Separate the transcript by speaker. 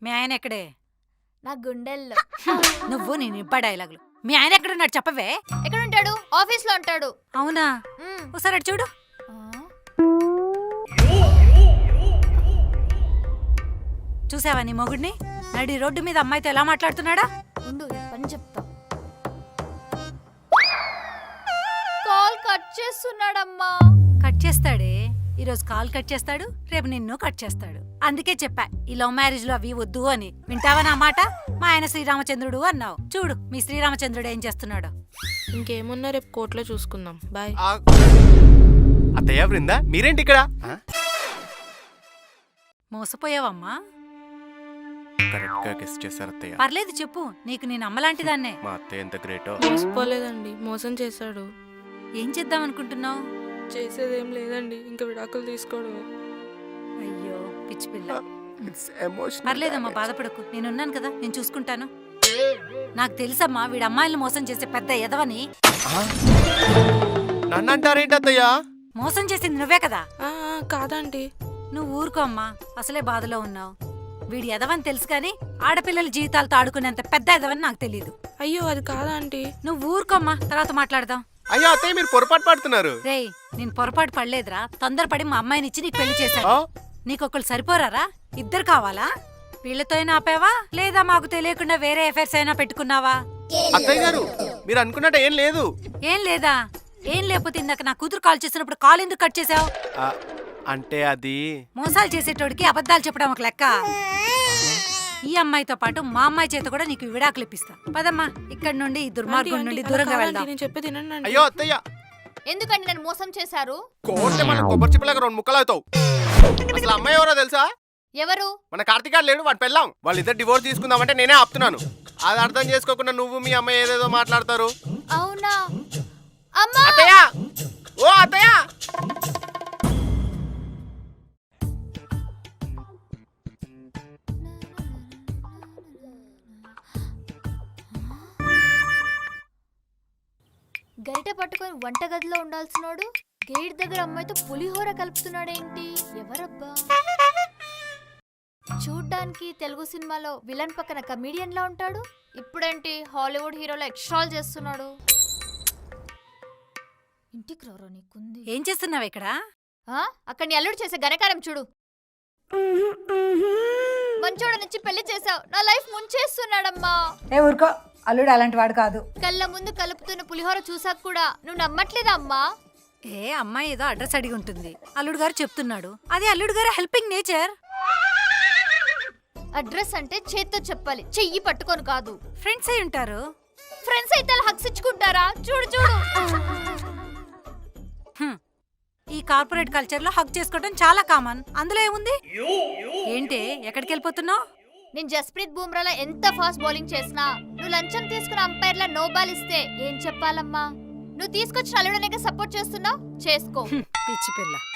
Speaker 1: మీ ఆయన ఎక్కడే?
Speaker 2: నా గుండెల్లో.
Speaker 1: నువ్వు నేను ఇబ్బా డైలాగులు. మీ ఆయన ఎక్కడున్నాడు చెప్పవే?
Speaker 2: ఎక్కడ ఉంటాడు? ఆఫీస్ లో ఉంటాడు.
Speaker 1: అవునా? ఒకసారి అటు చూడు. చూసావా నీ మొగుడిని? నడి రోడ్డు మీద అమ్మాయితో ఎలా మాట్లాడుతున్నాడా?
Speaker 2: ఉండు పని చెప్తా. కాల్ కట్ చేస్తున్నాడమ్మా.
Speaker 1: కట్ చేస్తాడే. ఈరోజు కాల్ కట్ చేస్తాడు, రేపు నిన్ను కట్ చేస్తాడు. అందుకే చెప్పా ఈ లవ్ మ్యారేజ్ లో అవి వద్దు అని. వింటావా నా మాట? మా ఆయన శ్రీరామచంద్రుడు అన్నావు. చూడు మీ శ్రీరామచంద్రుడు ఏం చేస్తున్నాడు.
Speaker 3: ఇంకేమున్నా రేపు కోర్టులో చూసుకుందాం. బాయ్.
Speaker 4: అత్తయ్య బృందా, మీరేంటి ఇక్కడ?
Speaker 1: మోసపోయావమ్మా.
Speaker 4: కరెక్ట్ గా గెస్ చేశారు అత్తయ్య.
Speaker 1: పర్లేదు చెప్పు, నీకు నేను అమ్మలాంటిదాన్నే.
Speaker 4: మా అత్తయ్య ఎంత గ్రేటో.
Speaker 3: మోసపోలేదండి, మోసం చేశాడు.
Speaker 1: ఏం చేద్దాం అనుకుంటున్నావు?
Speaker 3: చేసేదేం లేదండి, ఇంకా విడాకులు తీసుకోవడమే.
Speaker 1: అయ్యో పిచ్చి పిల్ల. పర్లేదమ్మా బాధపడకు, నేనున్నాను కదా, నేను చూసుకుంటాను. నాకు తెలుసమ్మా వీడు అమ్మాయిలను మోసం చేసే పెద్ద ఎదవని.
Speaker 4: నన్ను అంటారేంటి అత్తయ్య?
Speaker 1: మోసం చేసింది నువ్వే కదా.
Speaker 3: కాదండి.
Speaker 1: నువ్వు ఊరుకో అమ్మా, అసలే బాధలో ఉన్నావు. వీడి ఎదవని తెలుసు కానీ ఆడపిల్లల జీవితాలతో ఆడుకునేంత పెద్ద ఎదవని నాకు తెలియదు.
Speaker 3: అయ్యో అది కాదా ఆంటీ.
Speaker 1: నువ్వు ఊరుకోమ్మా, తర్వాత మాట్లాడదాం.
Speaker 4: అయ్యో అత్తయ్య మీరు పొరపాటు పడుతున్నారు.
Speaker 1: రేయ్ నేను పొరపాటు పడలేదురా, తొందరపడి మా అమ్మాయిని ఇచ్చి నీకు పెళ్లి చేశాను. నీకొకళ్ళు సరిపోరారా? ఇద్దరు కావాలా? వీళ్ళతో అయినా ఆపావా లేదా మాకు తెలియకుండా వేరే ఎఫైర్స్ అయినా పెట్టుకున్నావా?
Speaker 4: అత్తయ్య గారు మీరు అనుకున్నట్టు ఏం లేదు.
Speaker 1: ఏం లేదా? ఏం లేకపోతే ఇందాక నా కూతురు కాల్ చేసినప్పుడు కాల్ ఎందుకు కట్ చేసావు?
Speaker 4: అంటే అది
Speaker 1: మోసాలు చేసేటోడికి అబద్ధాలు చెప్పడం ఒక లెక్క. ఈ అమ్మాయితో పాటు మా అమ్మాయి చేత కూడా నీకు విడాకులు ఇప్పిస్తా. పదమ్మా ఇక్కడి నుండి ఈ దుర్మార్గం నుండి దూరంగా వెళ్దాం.
Speaker 3: నేను చెప్పేది వినండి.
Speaker 4: అయ్యో అత్తయ్య,
Speaker 2: ఎందుకండి నన్ను మోసం చేశారు?
Speaker 4: కోర్టు మన కొబ్బరి చిప్పలాగా 2 ముక్కలు అవుతావు. అసలు అమ్మాయి ఎవరో తెలుసా?
Speaker 2: ఎవరు?
Speaker 4: మన కార్తీక్ లేడు, వాడు పెళ్ళాం. వాళ్ళిద్దరు డివోర్స్ తీసుకుందామంటే నేనే ఆపుతున్నాను. అది అర్థం చేసుకోకుండా నువ్వు మీ అమ్మాయి ఏదేదో మాట్లాడతారు.
Speaker 2: అవునా? అమ్మా
Speaker 4: అత్తయ్య, ఓ అత్తయ్య.
Speaker 2: గరిట పట్టుకొని వంటగదిలో ఉండాల్సినోడు గేట్ దగ్గర అమ్మాయితో పులిహోర కలుపుతున్నాడేంటి? ఎవరబ్బా? చూడ్డానికి తెలుగు సినిమాలో విలన్ పక్కన కమీడియన్ లా ఉంటాడు, ఇప్పుడేంటి హాలీవుడ్ హీరోలో ఎక్స్ట్రాల్ చేస్తున్నాడు. ఇంటికి రారో నీకుంది.
Speaker 1: ఏం చేస్తున్నావు ఇక్కడ?
Speaker 2: అక్కడ నీ అల్లుడు చేసే ఘనకారం చూడు. మంచోడనిచ్చి పెళ్లి చేసావు, నా లైఫ్ ముంచేస్తున్నాడమ్మా.
Speaker 1: ఊరుకో, అల్లుడు అలాంటి వాడు కాదు.
Speaker 2: కళ్ళ ముందు కలుపుతున్న పులిహోర చూసాక కూడా నువ్వు నమ్మట్లేదా అమ్మా?
Speaker 1: అమ్మాయి ఏదో అడ్రస్ అడిగి ఉంటుంది, అల్లుడు గారు చెప్తున్నాడు. అది అల్లుడు గారు హెల్పింగ్ నేచర్.
Speaker 2: అడ్రస్ అంటే చేత్తో చెప్పాలి, చెయ్యి పట్టుకొని కాదు.
Speaker 1: ఫ్రెండ్స్ అయి ఉంటారు.
Speaker 2: ఫ్రెండ్స్ అయితే హక్స్ ఇచ్చుకుంటారా? చూడు చూడు.
Speaker 1: ఈ కార్పొరేట్ కల్చర్ లో హక్ చేసుకోవడం చాలా కామన్. అందులో ఏముంది? ఏంటి ఎక్కడికి వెళ్ళిపోతున్నావు?
Speaker 2: నేను జస్ప్రీత్ బూమ్రాలా ఎంత ఫాస్ట్ బౌలింగ్ చేసినా నువ్వు లంచం తీసుకున్న అంపైర్లా నో బాల్ ఇస్తే ఏం చెప్పాలమ్మా? నువ్వు తీసుకొచ్చిన అల్లుడనేగా సపోర్ట్ చేస్తున్నావు, చేసుకో.
Speaker 1: పిచ్చి పిల్ల.